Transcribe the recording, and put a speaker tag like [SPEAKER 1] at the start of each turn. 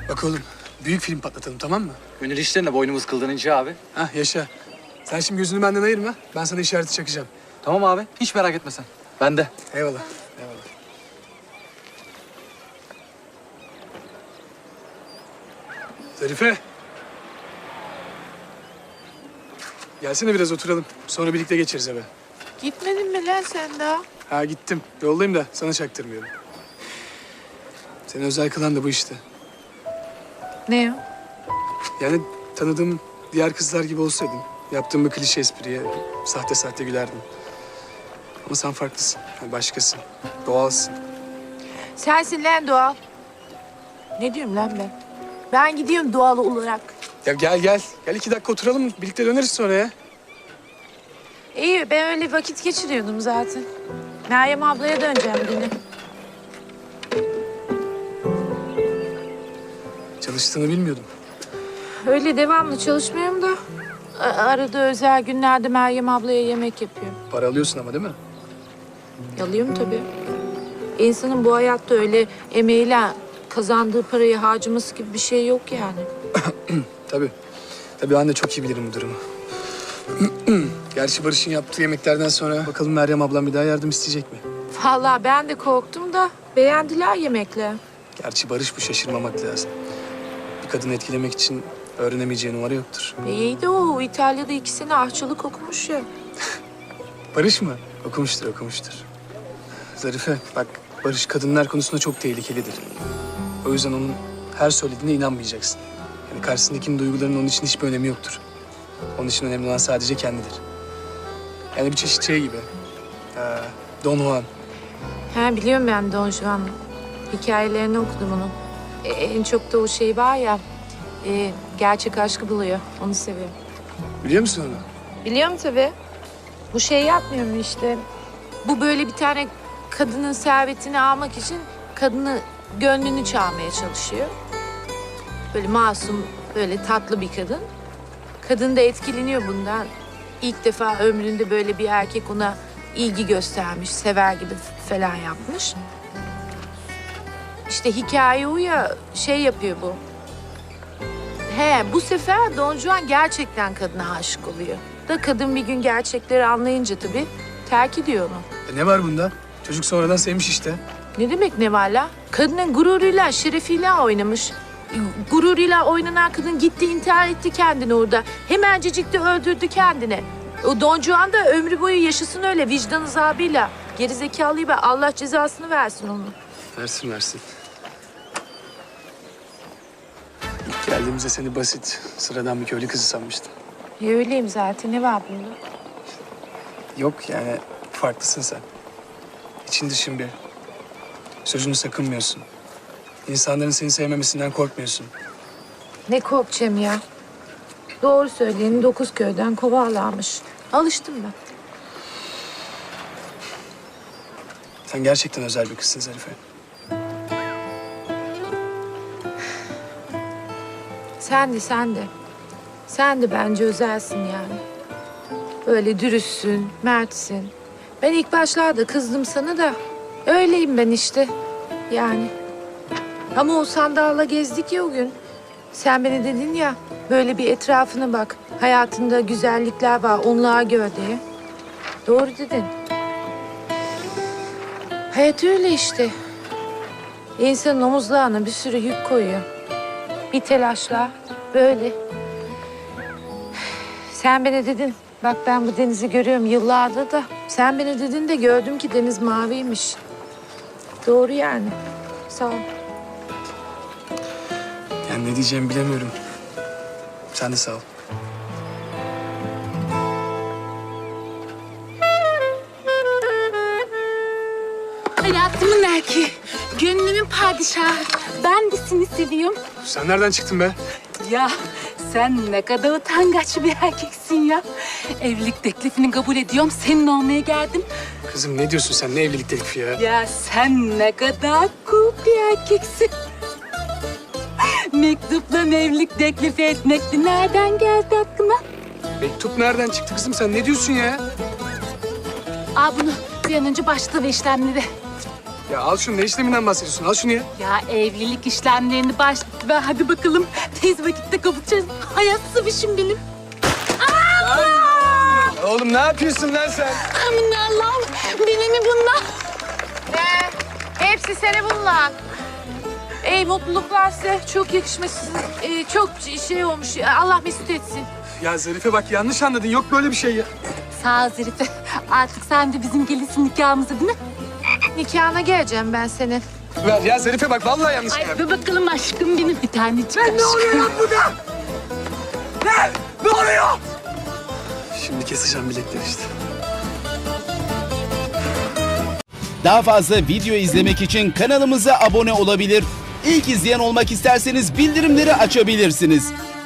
[SPEAKER 1] Bak oğlum, büyük film patlatalım, tamam mı?
[SPEAKER 2] Gönül işlerine boynumuz kıldanınca abi.
[SPEAKER 1] Hah, yaşa. Sen şimdi gözünü benden ayırma. Ben sana işareti çakacağım.
[SPEAKER 2] Tamam abi. Hiç merak etme sen. Ben de.
[SPEAKER 1] Eyvallah, eyvallah. Zarife. Gelsene biraz oturalım. Sonra birlikte geçeriz eve.
[SPEAKER 3] Gitmedin mi lan sen daha?
[SPEAKER 1] Ha gittim. Yoldayım da sana çaktırmıyorum. Seni özel kılan da bu işte.
[SPEAKER 3] Ne o?
[SPEAKER 1] Yani tanıdığım diğer kızlar gibi olsaydın, yaptığım bir klişe espriye sahte sahte gülerdim. Ama sen farklısın. Yani başkasın. Doğalsın.
[SPEAKER 3] Sensin lan doğal. Ne diyorum lan ben? Ben gidiyorum doğal olarak.
[SPEAKER 1] Ya gel gel. Gel 2 dakika oturalım. Birlikte döneriz sonra ya.
[SPEAKER 3] İyi, ben öyle vakit geçiriyordum zaten. Meryem ablaya döneceğim yine.
[SPEAKER 1] Çalıştığını bilmiyordum.
[SPEAKER 3] Öyle devamlı çalışmıyorum da... Arada özel günlerde Meryem ablaya yemek yapıyorum.
[SPEAKER 1] Para alıyorsun ama değil mi?
[SPEAKER 3] Alıyorum tabii. İnsanın bu hayatta öyle emeğiyle kazandığı parayı harcaması gibi bir şey yok yani.
[SPEAKER 1] Tabii. Tabii anne çok iyi bilirim bu durumu. Gerçi Barış'ın yaptığı yemeklerden sonra bakalım Meryem ablam bir daha yardım isteyecek mi?
[SPEAKER 3] Vallahi ben de korktum da beğendiler yemekle.
[SPEAKER 1] Gerçi Barış bu, şaşırmamak lazım. Bir kadını etkilemek için öğrenemeyeceği numara yoktur.
[SPEAKER 3] İyi de o İtalya'da 2 sene aşçılık okumuş ya.
[SPEAKER 1] Barış mı? Okumuştur, okumuştur. Zarife, bak Barış kadınlar konusunda çok tehlikelidir. O yüzden onun her söylediğine inanmayacaksın. Yani karşısındakinin duygularının onun için hiçbir önemi yoktur. Onun için önemli olan sadece kendidir. Yani bir çeşit şey gibi. Don Juan.
[SPEAKER 3] He biliyorum ben Don Juan. Hikayelerini okudum onun. En çok da o şey var ya, gerçek aşkı buluyor. Onu seviyorum.
[SPEAKER 1] Biliyor musun onu?
[SPEAKER 3] Biliyorum tabii. Bu şey yapmıyor mu işte? Bu böyle bir tane kadının servetini almak için kadını gönlünü çalmaya çalışıyor. Böyle masum, böyle tatlı bir kadın. Kadın da etkileniyor bundan. İlk defa ömründe böyle bir erkek ona ilgi göstermiş, sever gibi falan yapmış. İşte hikaye o ya, şey yapıyor bu. Bu sefer Don Juan gerçekten kadına aşık oluyor. Da kadın bir gün gerçekleri anlayınca tabii terk ediyor onu.
[SPEAKER 1] Ne var bunda? Çocuk sonradan sevmiş işte.
[SPEAKER 3] Ne demek ne var la? Kadının gururuyla, şerefiyle oynamış. Gururuyla oynanan kadın gitti intihar etti kendini orada. Hemencecik de öldürdü kendini. O Don Juan da ömrü boyu yaşasın öyle vicdan azabıyla. Gerizekalıyı ve Allah cezasını versin onu.
[SPEAKER 1] Versin, versin. İlk geldiğimizde seni basit, sıradan bir köylü kızı sanmıştım.
[SPEAKER 3] Öyleyim zaten, ne var bunda?
[SPEAKER 1] Yok yani farklısın sen. İçin dışın bir. Sözünü sakınmıyorsun. İnsanların seni sevmemesinden korkmuyorsun.
[SPEAKER 3] Ne korkacağım ya? Doğru söyleyeni 9 köyden kovarlarmış. Alıştım ben.
[SPEAKER 1] Sen gerçekten özel bir kızsın Zarife.
[SPEAKER 3] Sen de, sen de. Sen de bence özelsin yani. Böyle dürüstsün, mertsin. Ben ilk başlarda kızdım sana da öyleyim ben işte. Yani. Ama o sandalla gezdik ya o gün. Sen bana dedin ya, böyle bir etrafına bak. Hayatında güzellikler var, onları gör diye. Doğru dedin. Hayat öyle işte. İnsanın omuzlarına bir sürü yük koyuyor. Bir telaşla böyle. Sen bana dedin, bak ben bu denizi görüyorum yıllardır da. Sen bana dedin de gördüm ki deniz maviymiş. Doğru yani. Sağ ol.
[SPEAKER 1] Yani ne diyeceğimi bilemiyorum. Sen de sağ ol.
[SPEAKER 4] Hayatımın erkeği, gönlümün padişahı. Ben de seni seviyorum.
[SPEAKER 1] Sen nereden çıktın be?
[SPEAKER 4] Ya sen ne kadar utangaç bir erkeksin ya. Evlilik teklifini kabul ediyorum, senin olmaya geldim.
[SPEAKER 1] Kızım ne diyorsun sen? Ne evlilik teklifi ya?
[SPEAKER 4] Ya sen ne kadar cool bir erkeksin. Mektupla evlilik teklifi etmekti. Nereden geldi aklına?
[SPEAKER 1] Mektup nereden çıktı kızım? Sen ne diyorsun ya?
[SPEAKER 4] Al bunu, bir an önce başla ve işlemleri.
[SPEAKER 1] Ya al şunu, ne işleminden bahsediyorsun? Al şunu ya.
[SPEAKER 4] Ya evlilik işlemlerini başlattı ve hadi bakalım tez vakitte kavuşacağız. Hayat sıvışım benim.
[SPEAKER 1] Oğlum ne yapıyorsun lan sen?
[SPEAKER 4] Amin Allah'ım. Beni mi bunlar?
[SPEAKER 3] Hepsi seni bunlar. Ey mutluluklar size. Çok yakışmışsınız. Çok şey olmuş. Allah mesut etsin.
[SPEAKER 1] Ya Zarife bak yanlış anladın. Yok böyle bir şey ya.
[SPEAKER 4] Sağ ol Zarife. Artık sen de bizim gelinsin nikahımıza değil mi?
[SPEAKER 3] Nikahına geleceğim ben senin.
[SPEAKER 1] Ver ya Zarife bak vallahi yanlış
[SPEAKER 4] Ay
[SPEAKER 1] ya.
[SPEAKER 4] bir bakalım aşkım benim bir tanecik aşkım.
[SPEAKER 1] Ne oluyor lan burada? Ne oluyor? Şimdi keseceğim bilekleri işte.
[SPEAKER 5] Daha fazla video izlemek için kanalımıza abone olabilir. İlk izleyen olmak isterseniz bildirimleri açabilirsiniz.